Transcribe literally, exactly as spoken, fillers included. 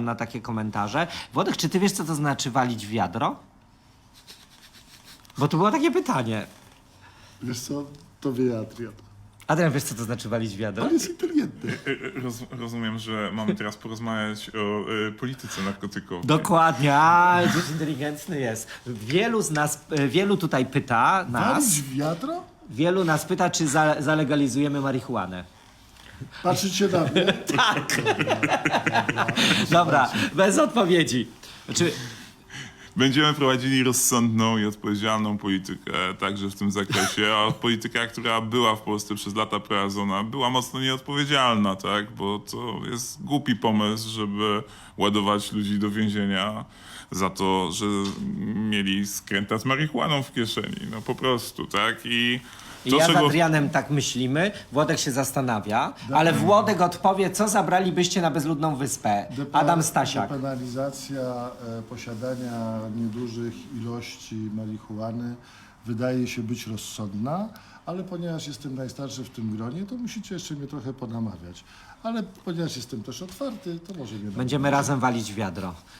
pan na takie komentarze. Włodek, czy ty wiesz, co to znaczy walić w wiadro? Bo to było takie pytanie. Wiesz co, to wie Adrian. Adrian, wiesz, co to znaczy walić w wiadro? On jest inteligentny. Roz, rozumiem, że mamy teraz porozmawiać o y, polityce narkotykowej. Dokładnie, a gdzieś inteligentny jest. Wielu z nas, e, wielu tutaj pyta nas, Walić w wiadro? wielu nas pyta, czy za, zalegalizujemy marihuanę. Patrzycie na mnie? Tak. Dobra, bez odpowiedzi. Znaczy, Będziemy prowadzili rozsądną i odpowiedzialną politykę także w tym zakresie, a polityka, która była w Polsce przez lata prowadzona, była mocno nieodpowiedzialna, tak? Bo to jest głupi pomysł, żeby ładować ludzi do więzienia za to, że mieli skręta z marihuaną w kieszeni. No po prostu, tak? I to, ja z czego... Adrianem tak myślimy, Włodek się zastanawia, ale Włodek odpowie, co zabralibyście na bezludną wyspę. Depa- Adam Stasiak. Depenalizacja e, posiadania niedużych ilości marihuany wydaje się być rozsądna, ale ponieważ jestem najstarszy w tym gronie, to musicie jeszcze mnie trochę ponamawiać. Ale ponieważ jestem też otwarty, to może mnie Będziemy razem walić w wiadro.